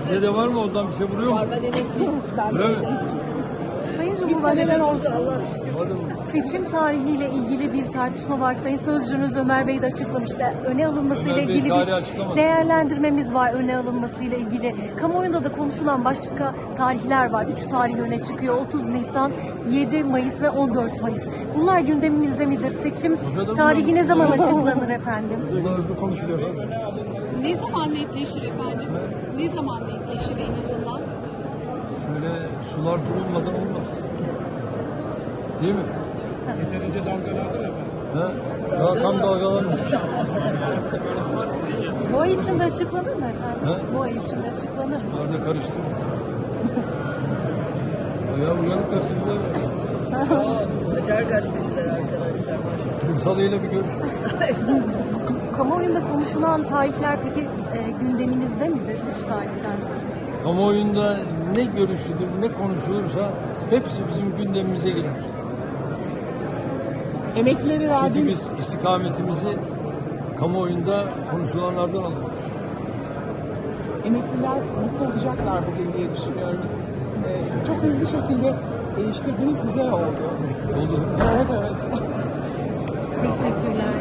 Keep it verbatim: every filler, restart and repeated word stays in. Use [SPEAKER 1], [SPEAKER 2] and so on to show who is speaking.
[SPEAKER 1] Size de var mı? Ondan bir şey vuruyor mu?
[SPEAKER 2] Var, ben emekliyim.
[SPEAKER 1] Öyle mi?
[SPEAKER 3] Sayın
[SPEAKER 2] Neler
[SPEAKER 3] Cumhurbaşkanı,
[SPEAKER 2] oldu Allah şükür.
[SPEAKER 1] Hadi mı?
[SPEAKER 3] seçim tarihiyle ilgili bir tartışma var. Sayın Sözcünüz Ömer Bey de açıklamıştı. Öne alınmasıyla
[SPEAKER 1] Ömer Bey
[SPEAKER 3] ilgili
[SPEAKER 1] tarihi
[SPEAKER 3] bir
[SPEAKER 1] açıklamadı.
[SPEAKER 3] değerlendirmemiz var öne alınmasıyla ilgili. Kamuoyunda da konuşulan başka tarihler var. Üç tarih öne çıkıyor. otuz Nisan, yedi Mayıs ve on dört Mayıs. Bunlar gündemimizde midir? Seçim tarihi ne zaman açıklanır efendim?
[SPEAKER 1] Bunlar hızlı konuşuluyor. Hadi.
[SPEAKER 2] Ne zaman netleşir efendim? Ne zaman netleşir en azından?
[SPEAKER 1] Şöyle sular durulmadan olmaz. Değil mi?
[SPEAKER 4] Yeterince dalgalandı efendim.
[SPEAKER 1] He? Daha tam dalgalanmış.
[SPEAKER 3] Bu ay içinde açıklanır mı efendim?
[SPEAKER 1] He?
[SPEAKER 3] Bu ay içinde açıklanır mı?
[SPEAKER 1] Nerede karıştırma. Ya uyanık gazeteciler.
[SPEAKER 2] Acar gazeteciler arkadaşlar maşallah.
[SPEAKER 1] Salıyla bir görüş.
[SPEAKER 3] Kamuoyunda konuşulan tarihler peki e, gündeminizde midir? Üç tarihten söz ediyorum.
[SPEAKER 1] Kamuoyunda ne görüşülür, ne konuşulursa hepsi bizim gündemimize girer.
[SPEAKER 2] Emeklileri
[SPEAKER 1] Çünkü
[SPEAKER 2] verdiğiniz
[SPEAKER 1] biz istikametimizi kamuoyunda konuşulanlardan alıyoruz.
[SPEAKER 5] Emekliler mutlu olacaklar bugün diye düşünüyorum. Siz e, çok hızlı şekilde değiştirdiğiniz güzel oldu.
[SPEAKER 1] Oldu.
[SPEAKER 5] Evet evet.
[SPEAKER 3] Teşekkürler.